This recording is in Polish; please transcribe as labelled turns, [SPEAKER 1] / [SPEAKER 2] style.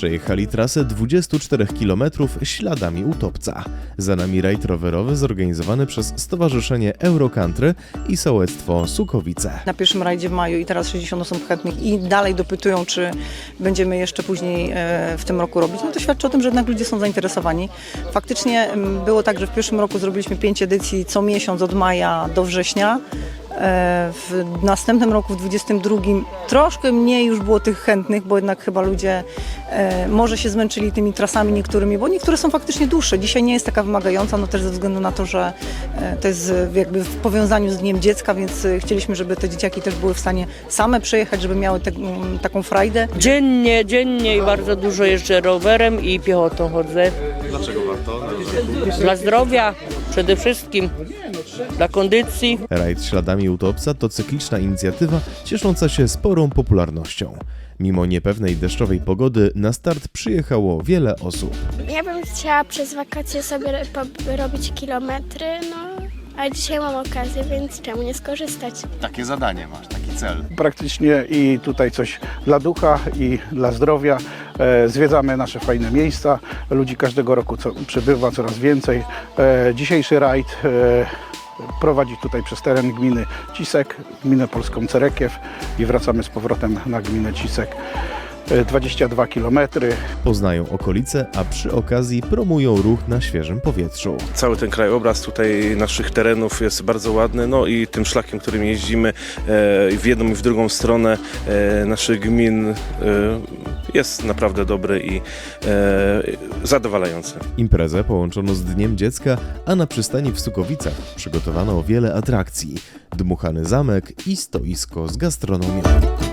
[SPEAKER 1] Przejechali trasę 24 km śladami utopca. Za nami rajd rowerowy zorganizowany przez Stowarzyszenie Eurocountry i Sołectwo Sukowice.
[SPEAKER 2] Na pierwszym rajdzie w maju i teraz 60 osób chętnych i dalej dopytują, czy będziemy jeszcze później w tym roku robić. No to świadczy o tym, że jednak ludzie są zainteresowani. Faktycznie było tak, że w pierwszym roku zrobiliśmy 5 edycji co miesiąc od maja do września. W następnym roku, w 22, troszkę mniej już było tych chętnych, bo jednak chyba ludzie może się zmęczyli tymi trasami niektórymi, bo niektóre są faktycznie dłuższe. Dzisiaj nie jest taka wymagająca, no też ze względu na to, że to jest jakby w powiązaniu z Dniem Dziecka, więc chcieliśmy, żeby te dzieciaki też były w stanie same przejechać, żeby miały taką frajdę.
[SPEAKER 3] Dziennie i bardzo dużo jeżdżę rowerem i piechotą chodzę.
[SPEAKER 1] Dlaczego warto?
[SPEAKER 3] Dla zdrowia przede wszystkim, dla kondycji.
[SPEAKER 1] Rajd śladami utopca to cykliczna inicjatywa ciesząca się sporą popularnością. Mimo niepewnej deszczowej pogody na start przyjechało wiele osób.
[SPEAKER 4] Ja bym chciała przez wakacje sobie robić kilometry, a dzisiaj mam okazję, więc czemu nie skorzystać?
[SPEAKER 1] Takie zadanie masz, taki cel.
[SPEAKER 5] Praktycznie i tutaj coś dla ducha i dla zdrowia. Zwiedzamy nasze fajne miejsca. Ludzi każdego roku przybywa coraz więcej. Dzisiejszy rajd prowadzi tutaj przez teren gminy Cisek, gminę polską Cerekiew i wracamy z powrotem na gminę Cisek. 22 km.
[SPEAKER 1] Poznają okolice, a przy okazji promują ruch na świeżym powietrzu.
[SPEAKER 6] Cały ten krajobraz tutaj naszych terenów jest bardzo ładny, no i tym szlakiem, którym jeździmy w jedną i w drugą stronę naszych gmin jest naprawdę dobry i zadowalający.
[SPEAKER 1] Imprezę połączono z Dniem Dziecka, a na przystani w Sukowicach przygotowano wiele atrakcji. Dmuchany zamek i stoisko z gastronomią.